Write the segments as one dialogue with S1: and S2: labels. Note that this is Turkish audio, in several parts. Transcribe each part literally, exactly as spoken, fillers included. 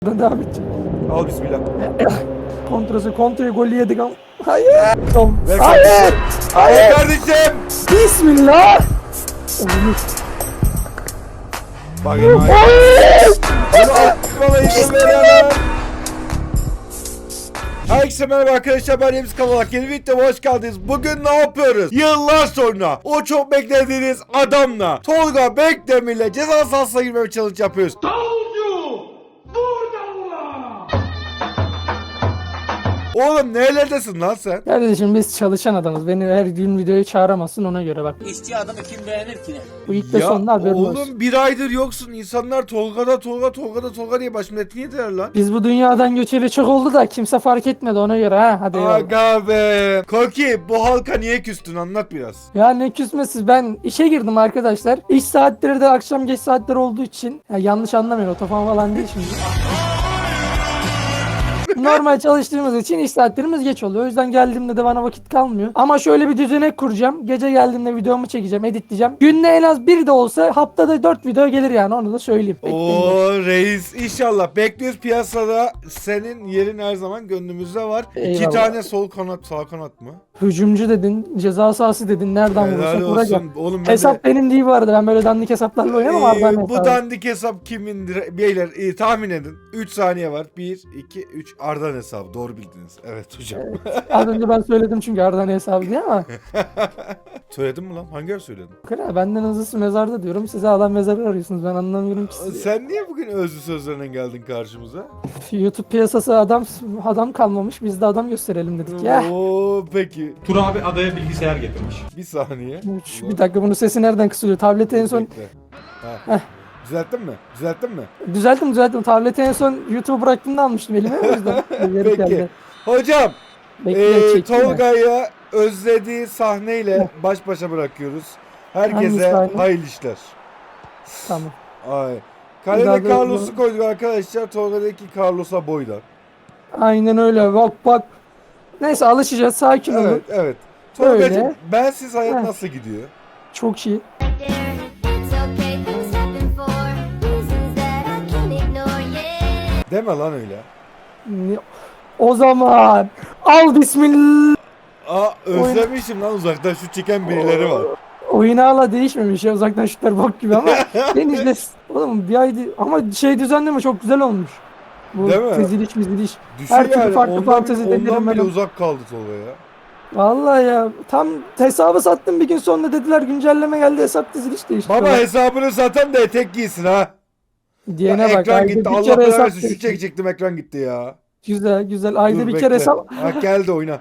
S1: Devam edecek.
S2: Al bismillah.
S1: Kontrası kontrayı golü yedik ama. Hayır.
S2: Ver
S1: Hayır.
S2: kardeşim.
S1: Hayır.
S2: Hayır kardeşim.
S1: Bismillah.
S2: Bak enayi.
S1: Hayır.
S2: Bunu atmana izin veremem. Herkese merhaba arkadaşlar, ben Remzi Kavalak. Yeni videoma hoş geldiniz. Bugün ne yapıyoruz? Yıllar sonra o çok beklediğiniz adamla, Tolga Bekdemir'le ceza sahasına girmeye challenge yapıyoruz. Oğlum nerelerdesin lan sen?
S1: Kardeşim biz çalışan adamız. Beni her gün videoya çağıramazsın, ona göre bak.
S3: İşçi adamı kim beğenir ki?
S1: Bu ilk ve
S2: Ya
S1: sonunda haberin
S2: oğlum
S1: olsun.
S2: bir aydır yoksun. İnsanlar Tolga'da Tolga Tolga'da Tolga diye baş milletini yediler lan.
S1: Biz bu dünyadan göçeli çok oldu da kimse fark etmedi, ona göre ha. Hadi eyvallah.
S2: Aga be. Koki, bu halka niye küstün, anlat biraz.
S1: Ya ne küsmesiz, ben işe girdim arkadaşlar. İş saatleri de akşam geç saatler olduğu için, ya yanlış anlamayın, otofan falan değil şimdi. Normal çalıştığımız için iş saatlerimiz geç oluyor. O yüzden geldiğimde de bana vakit kalmıyor. Ama şöyle bir düzenek kuracağım. Gece geldiğimde videomu çekeceğim, editleyeceğim. Günde en az bir de olsa haftada dört video gelir yani, onu da söyleyeyim. Bekleyin.
S2: Oo reis, inşallah bekliyoruz. Piyasada senin yerin her zaman gönlümüzde var. İki
S1: Eyvallah.
S2: tane sol kanat, sağ kanat mı?
S1: Hücumcu dedin, ceza sahası dedin. Nereden
S2: Helal
S1: vurursak
S2: olsun.
S1: vuracağım.
S2: Oğlum ben
S1: Hesap
S2: de,
S1: benim değil bu arada. Ben böyle dandik hesaplarla oynamam.
S2: Ee,
S1: Arda'nın
S2: bu
S1: hesabı.
S2: dandik hesap kimindir? Beyler e, tahmin edin. üç saniye var. bir, iki, üç. Arda'nın hesabı. Doğru bildiniz. Evet hocam.
S1: Az önce ben söyledim çünkü Arda'nın hesabı diye ama.
S2: Söyledin mi lan? Hangi yer söyledin?
S1: Kral, benden hızlısı mezarda diyorum. Size adam mezarı arıyorsunuz. Ben anlamıyorum ki sizi.
S2: Sen niye bugün özlü sözlerine geldin karşımıza?
S1: YouTube piyasası adam adam kalmamış. Biz de adam gösterelim dedik ya.
S2: Oo peki.
S4: Tur abi adaya bilgisayar getirmiş.
S2: Bir saniye.
S1: Üç, bir dakika, bunun sesi nereden kısılıyor? Tableti en son
S2: Bekle. Ha. Düzelttin mi? Düzelttin mi?
S1: düzelttim düzelttim. Tableti en son YouTube'u bıraktığımda almıştım elime, o yüzden. Geri
S2: Peki.
S1: geldi.
S2: Hocam,
S1: Bekle,
S2: e,
S1: çektim ben.
S2: Tolga'yı özlediği sahneyle baş başa bırakıyoruz.
S1: Hangi
S2: Herkese
S1: sahne?
S2: hayırlı işler.
S1: Tamam.
S2: Ay.
S1: daha
S2: Kalede
S1: da-
S2: Carlos'u koyduk arkadaşlar. Tolga'daki Carlos'a boyla.
S1: Aynen öyle. Bak bak. Neyse, alışacağız. Sakin olun.
S2: Evet, evet. Tolga'cığım,
S1: Öyle.
S2: bensiz hayat
S1: Heh.
S2: nasıl gidiyor?
S1: Çok iyi.
S5: It's okay, things happen for reasons that I can't ignore, yeah.
S2: Deme lan öyle.
S1: Ne- O zaman al bismillah.
S2: Aa, özlemişim lan, uzaktan şut çeken birileri var.
S1: Oyun hala değişmemiş ya, uzaktan şutlar bok gibi ama ben izle. Oğlum bir aydı ama şey düzenleme çok güzel olmuş. Bu
S2: Değil mi?
S1: teziliş miziliş.
S2: Düşün
S1: Her türlü
S2: yani,
S1: farklı
S2: ondan,
S1: fantezi
S2: ondan
S1: denerim
S2: bile
S1: ben.
S2: uzak kaldı Tolga ya.
S1: Vallahi ya, tam hesabı sattım, bir gün sonra dediler güncelleme geldi, hesap diziliş değişti.
S2: Baba
S1: Falan.
S2: hesabını satan da etek giysin ha.
S1: Diyene
S2: Ya
S1: bak,
S2: ekran
S1: ayda
S2: gitti.
S1: bir
S2: Allah
S1: kere
S2: belanı
S1: hesap
S2: versin. Şu
S1: değişti.
S2: çekecektim, ekran gitti ya.
S1: Güzel güzel, ayda
S2: Dur,
S1: bir
S2: bekle.
S1: kere hesap.
S2: Ha, geldi oyna.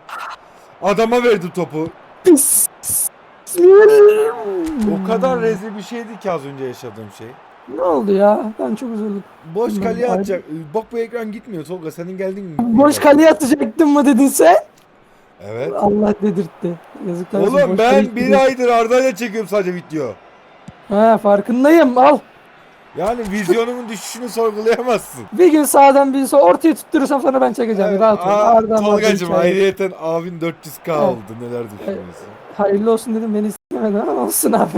S2: Adama verdi topu.
S1: Pis. Bismillah.
S2: O kadar rezil bir şeydi ki az önce yaşadığım şey.
S1: Ne oldu ya? Ben çok üzüldüm.
S2: Boş
S1: Ben-
S2: kaleye
S1: Ay-
S2: atacak. Bak bu ekran gitmiyor Tolga. Senin geldin mi?
S1: Boş kaleye atacaktın mı dedin sen?
S2: Evet.
S1: Allah dedirtti. Yazıklar olsun,
S2: Oğlum
S1: boş
S2: ben
S1: kaleye
S2: bir
S1: gidiyor.
S2: aydır Arda'yla çekiyorum sadece video.
S1: He, farkındayım, al.
S2: Yani vizyonumun düşüşünü sorgulayamazsın.
S1: Bir gün sağdan bir sol ortaya tutturursam sonra ben çekeceğim.
S2: Evet,
S1: Rahat ol.
S2: aa,
S1: Arda'm vardı,
S2: Tolgacım
S1: hikaye.
S2: ayrıyeten abin dört yüz K
S1: Evet.
S2: oldu. Neler düşünüyorsun?
S1: Hayırlı olsun dedim, beni istemedi ama olsun abi.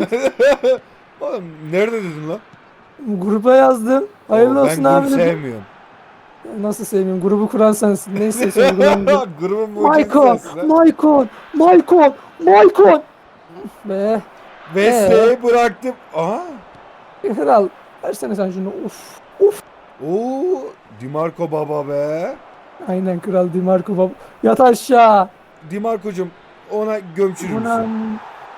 S2: Oğlum nerede dedin lan?
S1: Gruba yazdım. Hayırlı
S2: Oo,
S1: olsun
S2: ben
S1: abi
S2: grup
S1: dedim.
S2: sevmiyorum.
S1: Nasıl sevmiyorum? Grubu kuran sensin. Neyse sorgulandı.
S2: Grubun mucidi
S1: Maykon,
S2: sensin ha.
S1: Maykon, Maykon, Maykon. Be,
S2: Mesleği bıraktım. Aha.
S1: kral. Versene sen şunu. Uf.
S2: Oo, Dimarco baba be.
S1: Aynen kral, Dimarco baba. Yat aşağı.
S2: Dimarco'cum ona gömçürür
S1: Buna...
S2: müsün?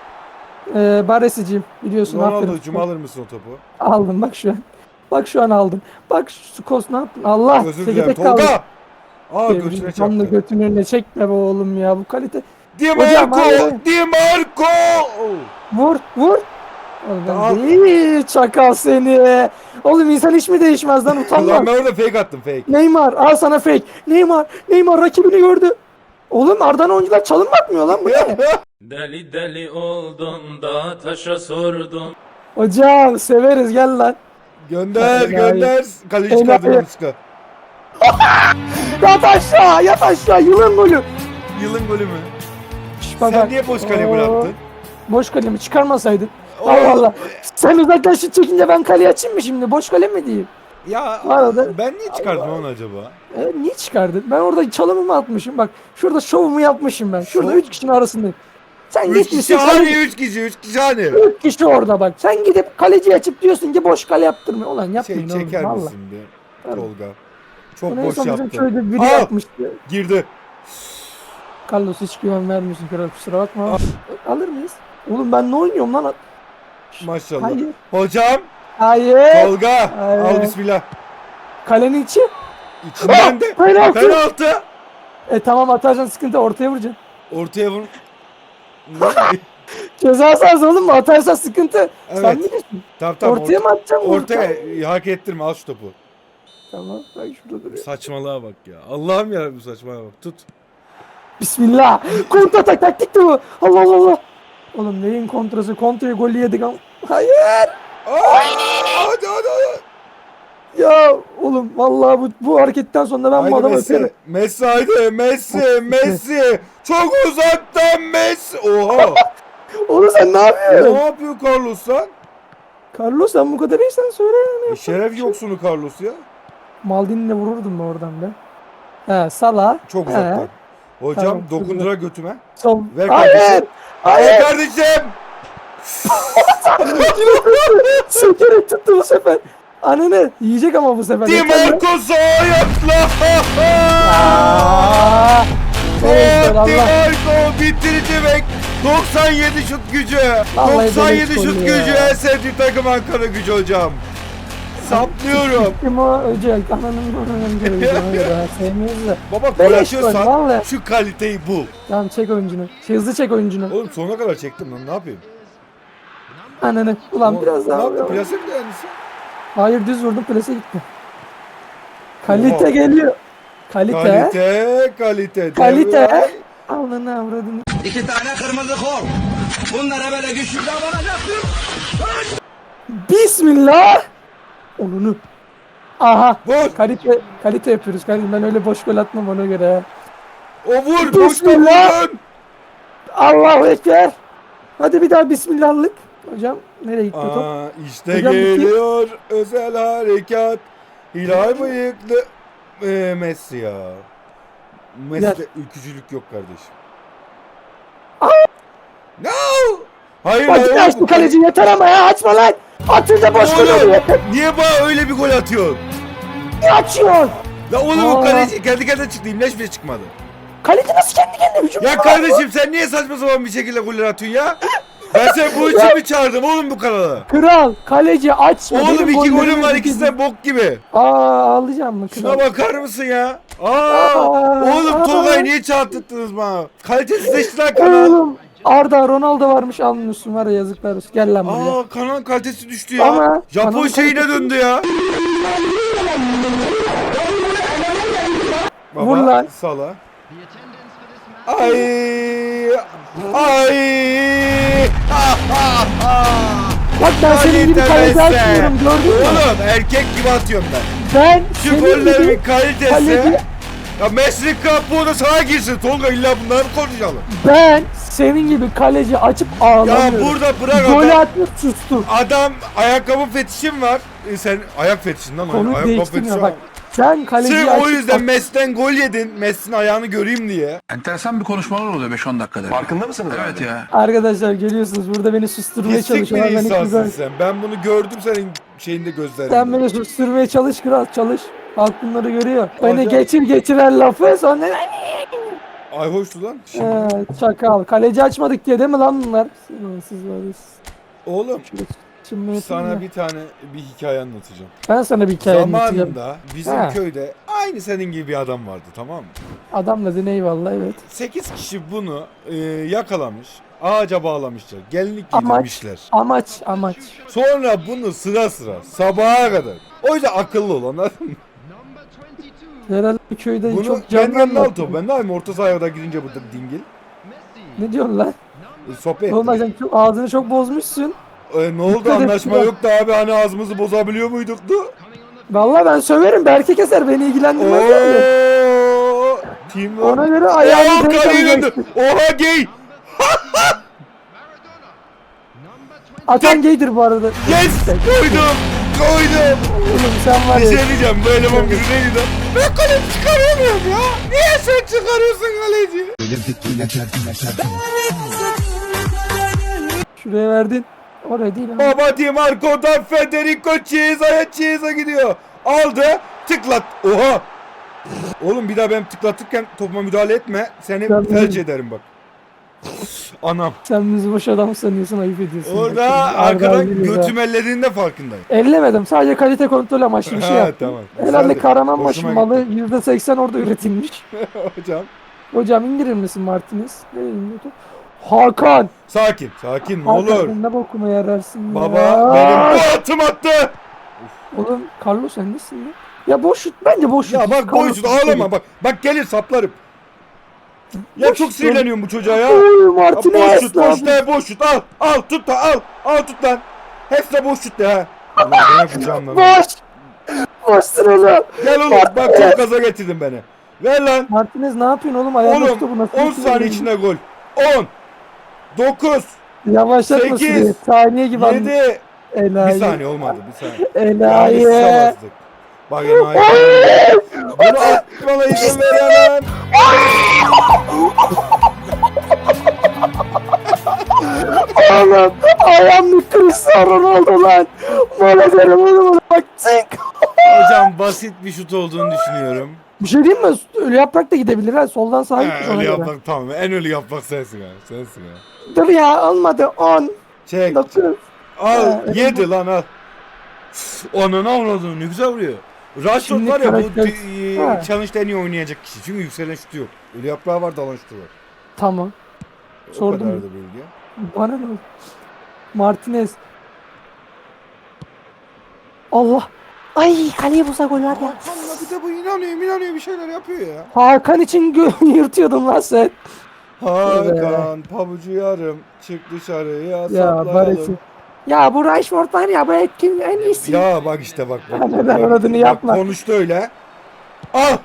S1: Ee, Baresiciyim biliyorsun.
S2: Ronaldo'cum
S1: aferin.
S2: alır mısın o topu?
S1: Aldım bak şu an. Bak şu an aldım. Bak şu Skos ne yaptın? Allah.
S2: Özür
S1: tek
S2: dilerim
S1: tek kaldı.
S2: Tolga. Aa
S1: Devrim,
S2: götüne
S1: tam da
S2: çarptı.
S1: götünün önüne çekme be oğlum ya, bu kalite. Hocam,
S2: Dimarco!
S1: hayır.
S2: Dimarco!
S1: Vur vur. Oğlum ben
S2: Al.
S1: değil, çakal seni. Oğlum insan hiç mi değişmez lan,
S2: Ulan
S1: utanma.
S2: ben orada fake attım fake.
S1: Neymar al sana fake. Neymar, Neymar rakibini gördü. Oğlum Arda'nın oyuncular çalım bakmıyor lan, bu ne?
S3: Deli deli oldun da taşa sordun.
S1: Hocam severiz, gel lan.
S2: Gönder
S1: Enayi.
S2: gönder. Kaleci
S1: Enayi.
S2: çıkardı yanlışlıkla.
S1: Yat aşağı, yat aşağı, yılın golü.
S2: Yılın golü mü?
S1: Şş, bak,
S2: Sen
S1: bak.
S2: niye boş kale
S1: Oo,
S2: bıraktın?
S1: Boş kalemi çıkarmasaydın.
S2: Oo.
S1: Allah Allah. Sen uzaktan şut çekince ben kaleye açayım mı şimdi? Boş kale mi diyeyim?
S2: Ya
S1: Bu arada-
S2: ben niye çıkardım onu acaba?
S1: E, niye çıkardın? Ben orada çalımımı atmışım. Bak şurada şovumu yapmışım ben. Şurada
S2: Şov?
S1: üç kişinin arasındayım. Sen
S2: Üç
S1: gitmişsin.
S2: kişi hani
S1: kaleci-
S2: üç kişi üç kişi hani.
S1: Üç kişi orada bak. Sen gidip kaleci açıp diyorsun ki boş kale yaptırmıyor. Ulan
S2: Şey
S1: yapmayın oğlum.
S2: çeker
S1: Valla.
S2: misin be Tolga? Çok
S1: Bunu en
S2: boş
S1: son bizim
S2: yaptın.
S1: köyde biri
S2: Aa!
S1: yapmıştı.
S2: Girdi.
S1: Carlos hiç güven vermiyorsun kral, kusura bakma. Alır mıyız? Oğlum ben ne oynuyorum lan?
S2: Maşallah.
S1: Hayır.
S2: Hocam
S1: Hayır.
S2: Tolga
S1: Hayır.
S2: al bismillah.
S1: Kalenin içi.
S2: İçinden de
S1: Penaltı.
S2: penaltı.
S1: E tamam atacaksın, sıkıntı, ortaya vuracaksın.
S2: Ortaya vur.
S1: Ceza sahası oğlum mu? Atarsan sıkıntı. Sen
S2: Evet.
S1: bilirsin.
S2: Tamam tamam.
S1: Ortaya mı atacaksın?
S2: Ortaya hak ettirme al şu topu.
S1: Tamam bak şurada duruyor.
S2: Saçmalığa bak ya. Allah'ım ya bu saçmalığa bak. Tut.
S1: Bismillah. Kontra atak taktik de bu. Allah Allah Allah. Oğlum neyin kontrası? Kontraya golü yedik ama. Hayır.
S2: Aa, hadi hadi hadi.
S1: Ya oğlum vallahi bu, bu hareketten sonra ben bu
S2: Haydi
S1: adamı
S2: Messi.
S1: öperim.
S2: Messi haydi Messi Messi. Çok uzaktan Messi. Oha.
S1: Oğlum sen ne
S2: ne
S1: yapıyorsun?
S2: yapıyor Carlos lan?
S1: Carlos sen bu kadar iyisen söyle yani.
S2: E, şeref yoksunu Carlos ya.
S1: Maldini'yle vururdum ben oradan be. He Salah.
S2: Çok
S1: He.
S2: uzaktan. Hocam
S1: Tamam,
S2: dokundura götüme.
S1: Sol.
S2: Ver
S1: Hayır.
S2: kardeşim. Hayır
S1: Hayır.
S2: kardeşim.
S1: Sökerek tuttu bu sefer. Ananı yiyecek ama bu sefer.
S2: Di
S1: Yeter lan.
S2: Marco sağ ayakla.
S1: Aa, neyse,
S2: Oh, Di
S1: Allah.
S2: Marco bitirici ve doksan yedi şut gücü.
S1: Vallahi
S2: doksan yedi
S1: beleş
S2: şut
S1: gol
S2: gücü
S1: ya.
S2: en sevdiğim takım Ankara Gücü hocam. Saplıyorum.
S1: Kim o? Öcel. Ananın ananın öcel. Sevmiyoruz da.
S2: Baba gol
S1: Beleş gol
S2: atıyorsan
S1: vallahi.
S2: şu kaliteyi bul.
S1: Tamam çek oyuncunu. Şey, hızlı çek oyuncunu.
S2: Oğlum sonuna kadar çektim lan ne yapayım?
S1: Ananı. Ulan
S2: O-
S1: biraz
S2: Ne
S1: daha.
S2: yaptın? Plase mi dayanırsın?
S1: Hayır düz vurdum, plase gitti. Kalite
S2: Oha.
S1: geliyor. Kalite.
S2: Kalite, kalite.
S1: Kalite.
S2: Devray.
S1: Ananı avradını.
S6: İki tane kırmızı kol. Bunlara böyle güçlü davranacaksın.
S1: Bismillah. Onunu. Aha.
S2: Vur.
S1: Kalite, kalite yapıyoruz kardeşim. Ben öyle boş gol atmam ona göre.
S2: O vur. Boşta
S1: Bismillah.
S2: vurdun.
S1: Allahu Ekber. Hadi bir daha bismillahlık. Hocam nereye gitti top?
S2: Aa, işte
S1: Hocam,
S2: geliyor özel harekat. Hilal bıyıklı ee, Messi ya. Messi'de ülkücülük yok kardeşim. No! Hayır
S1: Bak
S2: hayır.
S1: açtı kaleci, yeter ama ya, açma lan. Atınca boş gol
S2: Oğlum,
S1: oluyor.
S2: niye bana öyle bir gol atıyorsun?
S1: Niye açıyor?
S2: La oğlum
S1: Aa.
S2: o kaleci kendi kendine çıktı. İmleş bile çıkmadı.
S1: Kaleci nasıl kendi kendine hücum
S2: Ya
S1: yapar?
S2: kardeşim sen niye saçma sapan bir şekilde goller atıyorsun ya? Ben seni bu için mi çağırdım oğlum bu kanala?
S1: Kral, kaleci açma.
S2: Oğlum
S1: Benim
S2: iki
S1: gollerimi
S2: golüm var
S1: izle.
S2: ikisi de bok gibi.
S1: Aa, ağlayacağım mı kral?
S2: Şuna bakar mısın ya? Aa,
S1: Aa,
S2: oğlum
S1: aa.
S2: Tolga'yı niye çağırttınız bana? Kalitesizleşti lan kanal.
S1: Oğlum Arda Ronaldo varmış, almıyorsun var ya, yazıklar olsun. Gel lan buraya.
S2: Aa kanalın kalitesi düştü ya.
S1: Ama
S2: Japon
S1: kanalın
S2: şeyine
S1: kalitesi-
S2: döndü ya. Baba,
S1: Vur lan.
S2: Sala. Ay. Ay. Ha, ha, ha.
S1: Bak ben senin gibi kaleci
S2: Kalite
S1: açmıyorum, gördün mü?
S2: Oğlum erkek gibi atıyorum ben.
S1: Ben
S2: Şu
S1: senin
S2: gollerimin
S1: gibi
S2: kalitesi.
S1: kaleci,
S2: Ya Messi kabuğuna sana girsin Tolga, illa bunları mı konuşalım?
S1: ben senin gibi kaleci açıp
S2: Ya
S1: ağlamıyorum.
S2: burada bırak
S1: Golü
S2: adam.
S1: atmış sustum.
S2: Adam ayakkabı fetişim var. E sen ayak fetişin lan.
S1: Konu
S2: ayakkabı
S1: değiştirmiyor
S2: fetişi
S1: bak.
S2: var.
S1: Sen kaleciyi
S2: Sırf
S1: açıp
S2: o yüzden Messi'den gol yedin. Messi'nin ayağını göreyim diye.
S6: Enteresan bir konuşmalar oluyor beş on dakikada. Farkında mısınız? Evet ya.
S1: Arkadaşlar geliyorsunuz burada beni susturmaya
S2: Pislik bir
S1: çalışıyorlar. Ben hiç
S2: insansın
S1: güzel.
S2: sen. Ben bunu gördüm senin şeyinde gözlerinde.
S1: Sen beni susturmaya çalış kral, çalış. Halk bunları görüyor. Beni
S2: Hocam-
S1: geçir geçiren lafı sonra
S2: Ay hoştu lan. Şimdi,
S1: ee, çakal. Kaleci açmadık diye değil mi lan bunlar? Siz, siz var ya, siz.
S2: oğlum
S1: Şimdi
S2: sana bir tane bir hikaye anlatacağım.
S1: ben sana bir hikaye anlatacağım.
S2: Zamanında bizim
S1: Ha.
S2: köyde aynı senin gibi bir adam vardı, tamam mı?
S1: Adam dedin, eyvallah, evet.
S2: sekiz kişi bunu e, yakalamış. Ağaca bağlamışlar. Gelinlik
S1: Amaç,
S2: giydirmişler.
S1: amaç, amaç.
S2: Sonra bunu sıra sıra sabaha kadar. O yüzden akıllı ol, anladın mı?
S1: Herhalde bir köyde
S2: Bunu
S1: çok
S2: kendi
S1: canlı
S2: yanına al
S1: anlattın.
S2: topu. Ben de aynı orta sahaya kadar girince bu dingil.
S1: Ne diyorsun lan?
S2: E, sohbet
S1: Oğlum
S2: ettik.
S1: sen çok, ağzını çok bozmuşsun.
S2: E, ne oldu,
S1: Dikkat et
S2: anlaşma
S1: ya.
S2: yoktu abi, hani ağzımızı bozabiliyor muyduk da?
S1: Vallahi ben söverim. Berke keser, beni ilgilendirmez yani.
S2: Ooo. Team
S1: Ona göre
S2: Oha
S1: ayağını
S2: kaleye
S1: denk
S2: döndü.
S1: alacaksın.
S2: Oha gay.
S1: Atan gaydir bu arada.
S2: Yes. Koydum. Koydum.
S1: Oğlum sen var
S2: Bir
S1: ya.
S2: şey diyeceğim, bu eleman günü neydi? Ben kaleci çıkaramıyorum ya. Niye sen çıkarıyorsun kaleci?
S1: Şuraya verdin. Oraya değil ama.
S2: Baba Di Marco'dan Federico Chiesa'ya Chiesa gidiyor. Aldı. Tıklat. Oha. Oğlum bir daha benim tıklatırken topuma müdahale etme. Seni
S1: Ben
S2: felç
S1: bilirim.
S2: ederim bak. Anam.
S1: Sen bizi boş adam sanıyorsun, ayıp ediyorsun.
S2: Orada
S1: Bak,
S2: arkadan
S1: Arda biliyor ya.
S2: götüm ellediğinde farkındayım.
S1: Ellemedim. Sadece kalite kontrol amaçlı bir şey
S2: Ha,
S1: yaptım.
S2: tamam.
S1: Herhalde
S2: Güzeldi.
S1: Kahramanmaraş
S2: Hoşuma
S1: malı
S2: gitti.
S1: yüzde seksen orada üretilmiş.
S2: Hocam.
S1: Hocam indirir misin Martinez? Nereye indiriyor? Hakan!
S2: Sakin. Sakin ne
S1: Hakan
S2: olur.
S1: sen ne bokuma yararsın ya.
S2: Baba benim bu atım attı.
S1: Oğlum Carlos sen nesin ya? Ya boş şut, bence boş şut.
S2: Ya bak
S1: Carlos
S2: boşut
S1: şut
S2: ağlama bak. Bak gelir saplarım. Ya
S1: Boş
S2: çok
S1: şut.
S2: sinirleniyorum bu çocuğa ya.
S1: Oy
S2: Ya
S1: Martinez.
S2: boş şut, boş de boş şut. Al, al tut da al. Al tut lan. Hepsi de boş şut de ha. Ulan bana kucağım lan.
S1: Boş. Boşsun oğlum.
S2: Gel oğlum bak çok gaza getirdin beni. Ver lan.
S1: Martinez ne yapıyorsun oğlum? Ayağını
S2: Oğlum
S1: tuttu bu nasıl?
S2: on
S1: bir şey
S2: saniye
S1: ya?
S2: içinde gol. on. dokuz.
S1: Yavaşlatma
S2: sekiz,
S1: süreyi. Saniye gibi anladım.
S2: yedi.
S1: Enayi.
S2: Bir saniye olmadı bir saniye.
S1: Enayi.
S2: Yanlış bastık. Bak enayi. Bunu atmana izin veremem.
S1: Oğlum ayağım bir Cristiano Ronaldo lan. Bana derim oğlum bak zink.
S2: Hocam basit bir şut olduğunu düşünüyorum.
S1: Bir şey diyeyim mi? Ölü yaprak da gidebilir ha. Soldan sağa gitmiş
S2: He,
S1: ona
S2: öyle
S1: göre.
S2: yapmak tamam. En ölü yapmak sensin ha. Sensin ha.
S1: Dur ya olmadı. on.
S2: Çek.
S1: dokuz.
S2: Al.
S1: Ha,
S2: Yedi lan al. Onun avradını ne güzel vuruyor. Rashford
S1: Şimdi
S2: var ya bu
S1: karakter-
S2: e,
S1: Ha.
S2: challenge'da en iyi oynayacak kişi. Çünkü yükselen şutu yok. Ölü yaprağı var, dalan şutu var.
S1: Tamam.
S2: O
S1: Sordum
S2: kadar
S1: ya.
S2: da bilgi.
S1: Bana ne oldu? Martinez. Allah. Ay kaleye bulsa gol var ya.
S2: Hakan'la bir de bu inanıyor inanıyor bir şeyler yapıyor ya.
S1: Hakan için gö- yırtıyordun lan sen.
S2: Hakan pabucu yarım çık dışarıya
S1: Ya
S2: saplayalım.
S1: Baresi. Ya bu Rashford var ya bu etkin en iyisi.
S2: Ya bak işte bak bak.
S1: Neden
S2: bak,
S1: aradığını
S2: bak,
S1: yapma.
S2: Konuştu öyle. Al.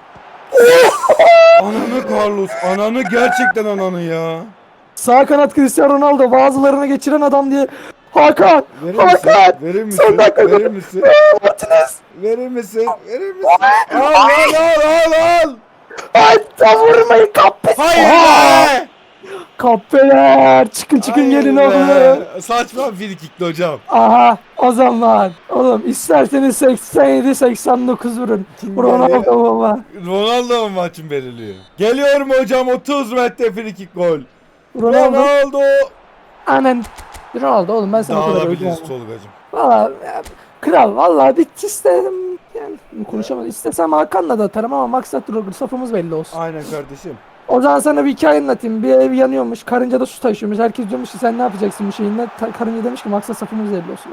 S2: Ananı Carlos. Ananı gerçekten ananı ya.
S1: Sağ kanat Cristiano Ronaldo bazılarını geçiren adam diye. Hakan!
S2: Verir misin?
S1: Hakan!
S2: Verir misin?
S1: Son dakika
S2: Verir misin?
S1: Martinez!
S2: Verir misin? Verir misin? Al al al al al.
S1: Ay tam vurmayın kahpe!
S2: Hayır
S1: Aa!
S2: be.
S1: Kahpeler! Çıkın çıkın
S2: Hayır
S1: gelin
S2: be.
S1: oğlum.
S2: Saçma free kickli hocam.
S1: Aha o zaman. Oğlum isterseniz seksen yedi seksen dokuz vurun.
S2: Kim
S1: Ronaldo
S2: geliyor?
S1: baba.
S2: Ronaldo mu maçın belirliyor? Geliyorum hocam otuz metre free kick gol.
S1: Ronaldo.
S2: Ronaldo.
S1: Anan. Ronaldo oğlum ben sana o kadar
S2: Dağılabiliriz
S1: öldüm.
S2: Tolgacığım.
S1: Valla ya, kral valla bir istedim. Yani konuşamadım. İstesem Hakan'la da atarım ama maksat Roger safımız belli olsun.
S2: Aynen kardeşim.
S1: O zaman sana bir hikaye anlatayım. Bir ev yanıyormuş. Karınca da su taşıyormuş. Herkes diyormuş ki sen ne yapacaksın bu şeyinden. Ta- karınca demiş ki maksat safımız belli olsun.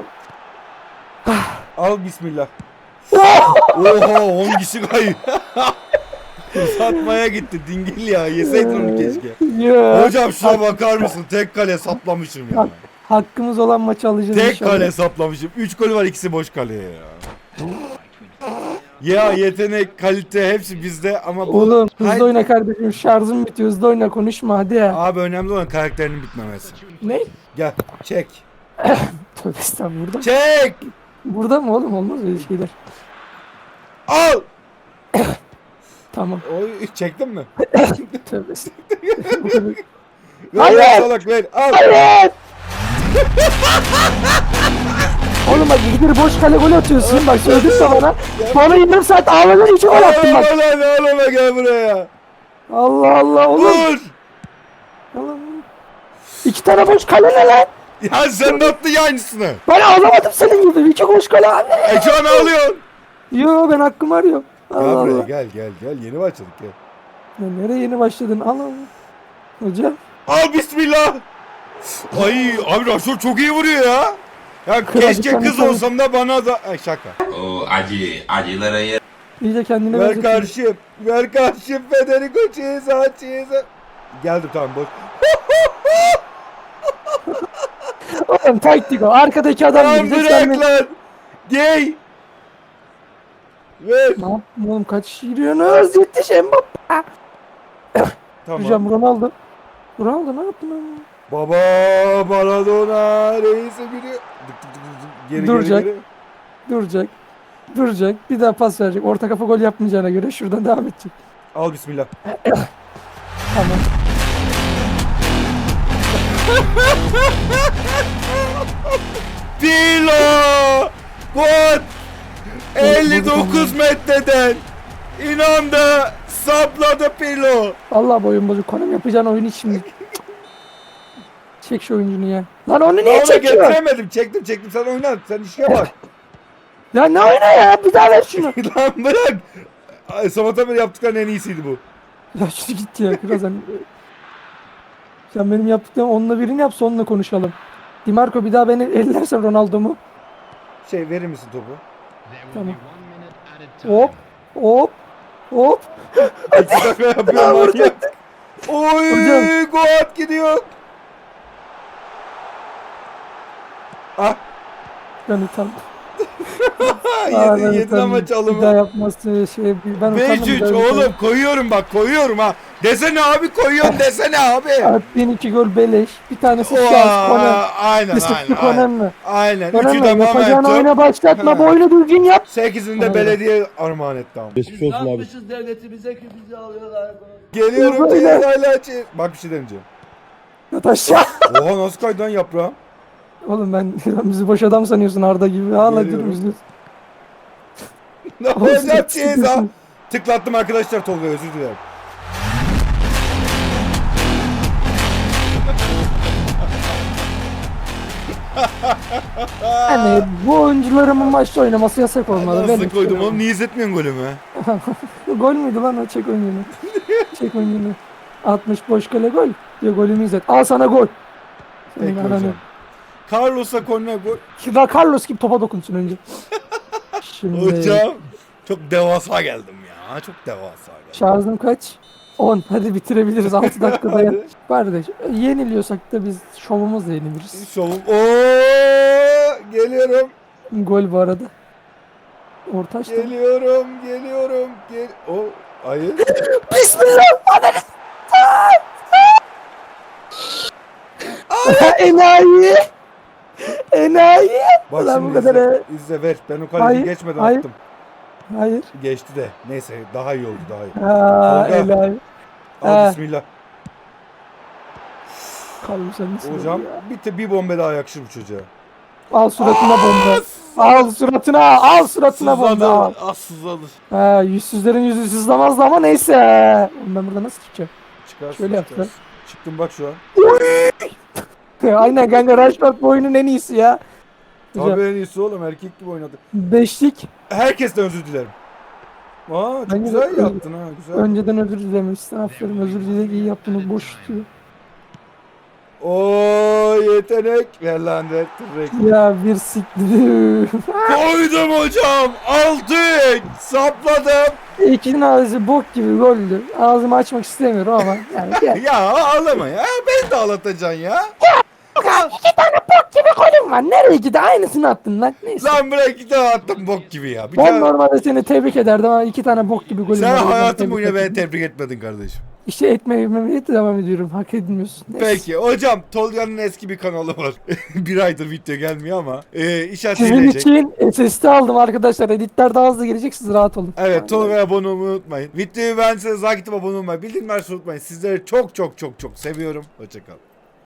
S2: Al bismillah. Oha on kişi kayıyor. Satmaya gitti dingil ya. Yeseydin onu keşke.
S1: Ya.
S2: Hocam şuna bakar mısın? Tek kale saplamışım ya.
S1: Hakkımız olan maçı alacağız
S2: Tek
S1: inşallah.
S2: kale saplamışım. üç gol var, ikisi boş kaleye ya. Ya yetenek, kalite hepsi bizde ama bu...
S1: Oğlum hızlı
S2: Hayır.
S1: oyna kardeşim. Şarjım bitiyor. Hızlı oyna konuşma hadi ya.
S2: Abi önemli olan karakterinin bitmemesi.
S1: Ne?
S2: Gel çek.
S1: Tövbe estağfurullah. Burada,
S2: Çek.
S1: burada mı oğlum? Olmaz öyle şeyler.
S2: Al.
S1: Tamam.
S2: Oy, çektin mi?
S1: Tövbe estağfurullah.
S2: Ver
S1: Hayır.
S2: ver salak ver. Al.
S1: Hayır! Oğlum bak gidir boş kale gol atıyorsun. Bak söyledin de bana. Bana yarım saat ağladın için gol attın bak.
S2: Al lan al ona gel buraya.
S1: Allah Allah oğlum.
S2: Vur.
S1: Allah. İki tane boş kale ne lan?
S2: Ya sen de attın ya aynısını.
S1: Ben ağlamadım senin gibi. İki boş kale abi.
S2: Ekranı alıyorsun.
S1: Yo ben hakkımı arıyorum.
S2: Gel
S1: Allah
S2: buraya
S1: Allah.
S2: gel gel gel yeni başladık gel.
S1: Ya nereye yeni başladın? Al al. Hocam.
S2: Al bismillah. Ay abi Raşor çok iyi vuruyor ya. Ya
S1: Kral,
S2: keşke
S1: bir tane
S2: kız
S1: tane-
S2: olsam da bana da... Ay şaka.
S6: O acı, acılara yer.
S1: İyice kendine
S2: Ver
S1: benzetiyorsun.
S2: karşım. Ver karşım Federico Chiesa Chiesa. Geldim tamam boş.
S1: Oğlum taktik o. Arkadaki adam
S2: Tamam
S1: gidecek. Sen
S2: bırak
S1: de...
S2: lan. Gay. Ver.
S1: Ne yaptın oğlum? Kaç giriyorsunuz? Yetiş Mbappe.
S2: Tamam.
S1: Hocam Ronaldo. Ronaldo ne yaptın oğlum?
S2: Baba Maradona reisi biri. Dık dık dık dık. Geri
S1: Duracak.
S2: geri geri.
S1: Duracak. Duracak. Bir daha pas verecek. Orta kafa gol yapmayacağına göre şuradan devam edecek.
S2: Al bismillah.
S1: Tamam.
S2: Pirlo! What? elli dokuz metreden inandı, sapladı Pirlo.
S1: Vallahi boyun bozuk. Konum yapacağın oyun hiç şimdi. Çek şu oyuncunu ya. Lan onu
S2: Niye
S1: niye çekiyor?
S2: getiremedim. Çektim çektim, sen oyna. Sen işe bak.
S1: Ya ne oyna ya? Bir daha ver şunu.
S2: Lan bırak. Ay, sabahtan beri yaptıkların en iyisiydi bu.
S1: Ya şunu git ya. Kral sen. Sen benim yaptıklarım onunla birini yap, sonunla konuşalım. Di Marco bir daha beni ellersen Ronaldo'mu.
S2: Şey, verir misin topu?
S1: Tamam. Hop. Hop. Hop.
S2: İki dakika yapıyor manyak. Oy,
S1: Hocam.
S2: Goat gidiyor. Ah,
S1: Ben utandım.
S2: ha,
S1: Aa, ben
S2: yedin, yedin
S1: utandım.
S2: ama
S1: Bir daha
S2: çalımı.
S1: yapması şey ben utandım.
S2: beş üç
S1: bir daha
S2: oğlum,
S1: utandım.
S2: koyuyorum bak, koyuyorum ha. Desene abi, koyuyorum desene abi.
S1: Attığın iki gol beleş. Bir tanesi şans.
S2: Oha,
S1: Konem.
S2: aynen
S1: Kısıtlı
S2: aynen.
S1: Konem
S2: Aynen.
S1: mi?
S2: Aynen.
S1: Konem
S2: Üçü
S1: mi?
S2: de
S1: Yapacağın
S2: momentum.
S1: oyuna başlatma. Boynu düzgün yap.
S2: Sekizini de
S1: Aynen.
S2: belediye armağan etti ama.
S6: Geçmiş olsun abi.
S7: devletimize ki bizi alıyorlar.
S2: Geliyorum
S1: Böyle.
S2: Cezayir'le çiz. Bak bir şey demeyeceğim.
S1: Yat aşağı.
S2: Oha, nasıl kaydı lan yaprağım?
S1: Oğlum ben bizi boş adam sanıyorsun Arda gibi. Hala
S2: Geliyorum.
S1: dur üzülüyorsun.
S2: Ne olacak Ceza? Tıklattım arkadaşlar Tolga, özür dilerim.
S1: Yani bu oyuncularımın maçta oynaması yasak olmalı.
S2: Nasıl
S1: Ben
S2: koydum oğlum, niye izletmiyorsun golümü?
S1: Gol müydü lan o çek oyununu? Çek oyununu. altmış boş kale gol. Diyor golümü izlet. Al sana gol. Senin
S2: Peki
S1: ananı.
S2: hocam. Carlos'a korner gol.
S1: Kira Carlos gibi topa dokunsun önce. Şimdi
S2: Hocam çok devasa geldim ya. Çok devasa geldim.
S1: şarjım kaç? on. Hadi bitirebiliriz altı dakikada ya.
S2: Hadi.
S1: Kardeş yeniliyorsak da biz şovumuzla yeniliriz.
S2: Şovum. Ooo, geliyorum.
S1: Gol bu arada. Orta açtı.
S2: Geliyorum. Geliyorum. Gel. O hayır.
S1: Bismillah. Ananı. Enayi. Enayi.
S2: Bak
S1: Ulan bu
S2: şimdi
S1: kadar
S2: izle.
S1: he.
S2: İzle ver. Ben o kaleci
S1: Hayır,
S2: geçmeden
S1: hayır.
S2: attım.
S1: Hayır.
S2: Geçti de. Neyse, daha iyi oldu, daha iyi.
S1: Ha,
S2: Tolga.
S1: enayi.
S2: Al
S1: Ha.
S2: bismillah.
S1: Kalmış sen misin
S2: Hocam
S1: ya?
S2: bir, te- bir bomba daha yakışır bu çocuğa.
S1: Al suratına bomba. Al suratına. Al suratına bomba. Al.
S2: Az sızladı.
S1: Ha, yüzsüzlerin yüzü sızlamazdı ama neyse. Oğlum ben burada nasıl çıkacağım?
S2: Çıkarsın,
S1: Şöyle
S2: çıkarsın.
S1: yaptı.
S2: Çıktım bak şu an.
S1: Aynen kanka Rashford bu oyunun en iyisi ya. Hocam,
S2: Tabii en iyisi oğlum, erkek gibi oynadı.
S1: beşlik.
S2: Herkesten özür dilerim. Aa, çok
S1: Bence de
S2: güzel
S1: özür-
S2: yaptın ha, güzel.
S1: Önceden özür dilemişsin. Aferin özür dilek iyi yaptığını boş tutuyor.
S2: Oo, yetenek. Ver lan de. Tırrek.
S1: Ya bir siktir.
S2: Koydum hocam. Aldık. Sapladım.
S1: İkinin ağzı bok gibi goldü. Ağzımı açmak istemiyorum ama yani gel.
S2: Ya ağlama ya. Beni de ağlatacaksın ya.
S1: gibi golüm var. Nereye gitti? Aynısını attın lan. Neyse.
S2: Lan bırak, iki tane attım bok gibi ya. Bir
S1: Ben
S2: tane...
S1: normalde seni tebrik ederdim ama iki tane bok gibi golüm
S2: Sen
S1: var. O yüzden
S2: hayatın
S1: tebrik
S2: boyunca beni
S1: ettim.
S2: tebrik etmedin kardeşim.
S1: İşte etmeye memnuniyetle devam ediyorum. Hak edilmiyorsun. Neyse.
S2: Peki hocam, Tolga'nın eski bir kanalı var. Bir aydır video gelmiyor ama. Ee, inşaat
S1: Sizin
S2: gelecek.
S1: için S S D aldım arkadaşlar. Editler daha hızlı gelecek. Siz rahat olun.
S2: Evet, Tolga'ya abone olmayı unutmayın. Videoyu beğendiyseniz like atıp abone olmayı, bildirimleri açmayı unutmayın. Sizleri çok çok çok çok seviyorum. Hoşçakalın.